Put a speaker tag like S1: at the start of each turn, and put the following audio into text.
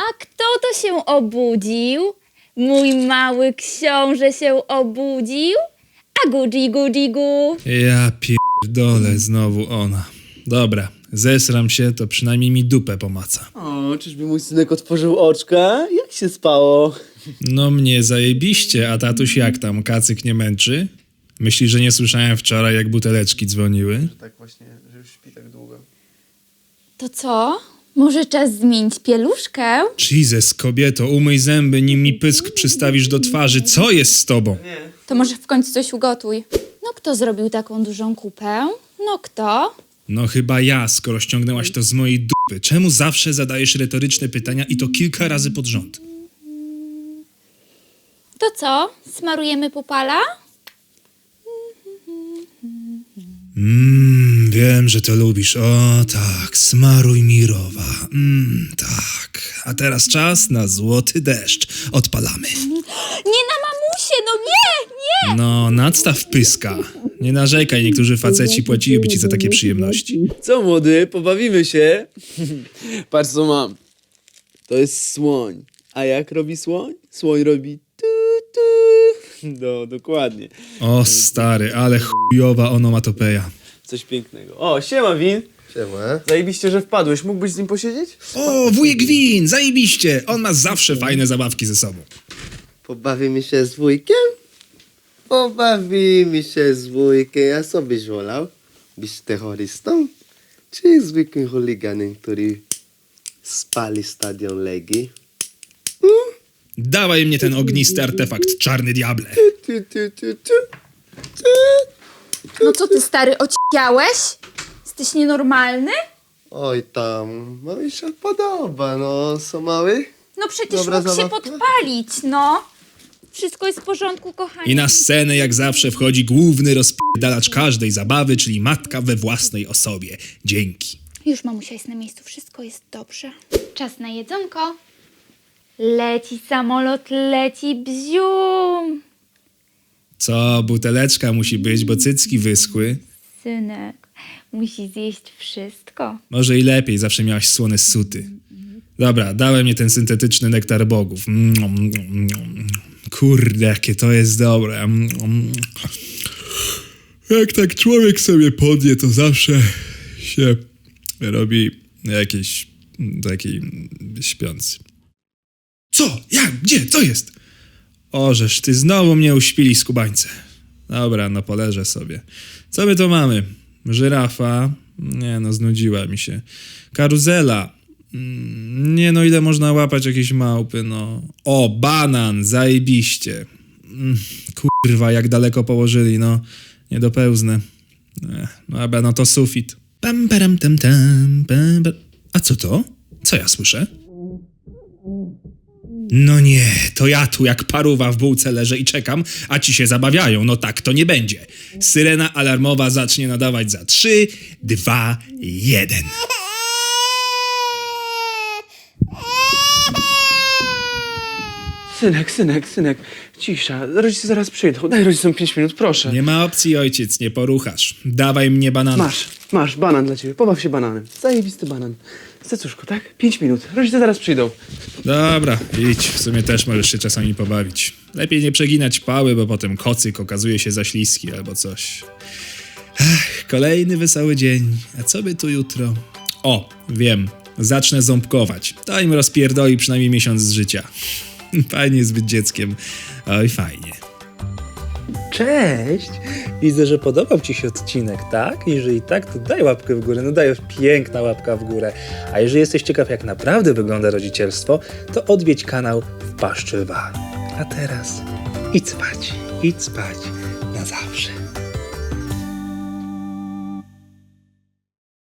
S1: A kto to się obudził? Mój mały książę się obudził? A gu.
S2: Ja pierdolę, znowu ona. Dobra, zesram się, to przynajmniej mi dupę pomaca.
S3: O, czyżby mój synek otworzył oczka? Jak się spało?
S2: No mnie zajebiście, a tatuś jak tam, kacyk nie męczy? Myślisz, że nie słyszałem wczoraj, jak buteleczki dzwoniły?
S3: Tak właśnie, że już śpi tak długo.
S1: To co? Może czas zmienić pieluszkę?
S2: Jesus, kobieto, umyj zęby, nim mi pysk przystawisz do twarzy. Co jest z tobą?
S1: To może w końcu coś ugotuj. No kto zrobił taką dużą kupę? No kto?
S2: No chyba ja, skoro ściągnęłaś to z mojej dupy. Czemu zawsze zadajesz retoryczne pytania i to kilka razy pod rząd?
S1: To co? Smarujemy pupala?
S2: Wiem, że to lubisz. O tak, smaruj mirowa. Tak. A teraz czas na złoty deszcz. Odpalamy.
S1: Nie na mamusie, no nie!
S2: No, nadstaw pyska. Nie narzekaj, niektórzy faceci płaciliby ci za takie przyjemności.
S3: Co młody, pobawimy się? Patrz co mam. To jest słoń. A jak robi słoń? Słoń robi tu. No, dokładnie.
S2: O stary, ale chujowa onomatopeja.
S3: Coś pięknego. O, siema Win.
S4: Siema.
S3: Zajebiście, że wpadłeś. Mógłbyś z nim posiedzieć?
S2: O, wujek Win, zajebiście. On ma zawsze fajne zabawki ze sobą.
S4: Pobawimy się z wujkiem? Pobawimy się z wujkiem. A co byś wolał? Być terrorystą? Czy zwykłym chuliganem, który spali stadion Legii?
S2: Dawaj mnie ten ognisty artefakt, czarny diable.
S1: No co ty, stary, ociałeś? Jesteś nienormalny?
S4: Oj tam, no mi się podoba, no. Co mały?
S1: No przecież
S4: Dobra
S1: mógł się
S4: zabawka?
S1: podpalić, no. Wszystko jest w porządku, kochani.
S2: I na scenę jak zawsze wchodzi główny rozpierdalacz każdej zabawy, czyli matka we własnej osobie. Dzięki.
S1: Już mamusia jest na miejscu, wszystko jest dobrze. Czas na jedzonko. Leci samolot, leci bzium.
S2: Co, buteleczka musi być, bo cycki wyschły.
S1: Synek, musi zjeść wszystko.
S2: Może i lepiej, zawsze miałaś słone suty. Dobra, dałem mi ten syntetyczny nektar bogów. Kurde, jakie to jest dobre. Jak tak człowiek sobie podje, to zawsze się robi jakiś taki śpiący. Co? Jak? Gdzie? Co jest? Ożeż, ty znowu mnie uśpili, skubańce. Dobra, no poleżę sobie. Co my tu mamy? Żyrafa? Nie no, znudziła mi się. Karuzela? Nie no, ile można łapać jakieś małpy, no. O, banan, zajebiście. Kurwa, jak daleko położyli, no. Nie dopełznę. Dobra, no to sufit. Pam, param, tam, tam, pam, pam. A co to? Co ja słyszę? No nie, to ja tu jak paruwa w bułce leżę i czekam, a ci się zabawiają. No tak to nie będzie. Syrena alarmowa zacznie nadawać za 3, 2, 1.
S3: Synek. Cisza. Rodzice zaraz przyjdą. Daj rodzicom 5 minut, proszę.
S2: Nie ma opcji, ojciec, nie poruchasz. Dawaj mnie banana.
S3: Masz, banan dla ciebie. Pobaw się bananem. Zajebisty banan. Cecuszko, tak? 5 minut. Rodzice zaraz przyjdą.
S2: Dobra, idź. W sumie też możesz się czasami pobawić. Lepiej nie przeginać pały, bo potem kocyk okazuje się za śliski albo coś. Kolejny wesoły dzień. A co by tu jutro? O, wiem. Zacznę ząbkować. To im rozpierdoli przynajmniej miesiąc z życia. Fajnie jest być dzieckiem. Oj, fajnie.
S5: Cześć! Widzę, że podobał Ci się odcinek, tak? Jeżeli tak, to daj łapkę w górę. No dajesz, piękna łapka w górę. A jeżeli jesteś ciekaw, jak naprawdę wygląda rodzicielstwo, to odwiedź kanał W Paszczy Lwa. A teraz idź spać na zawsze.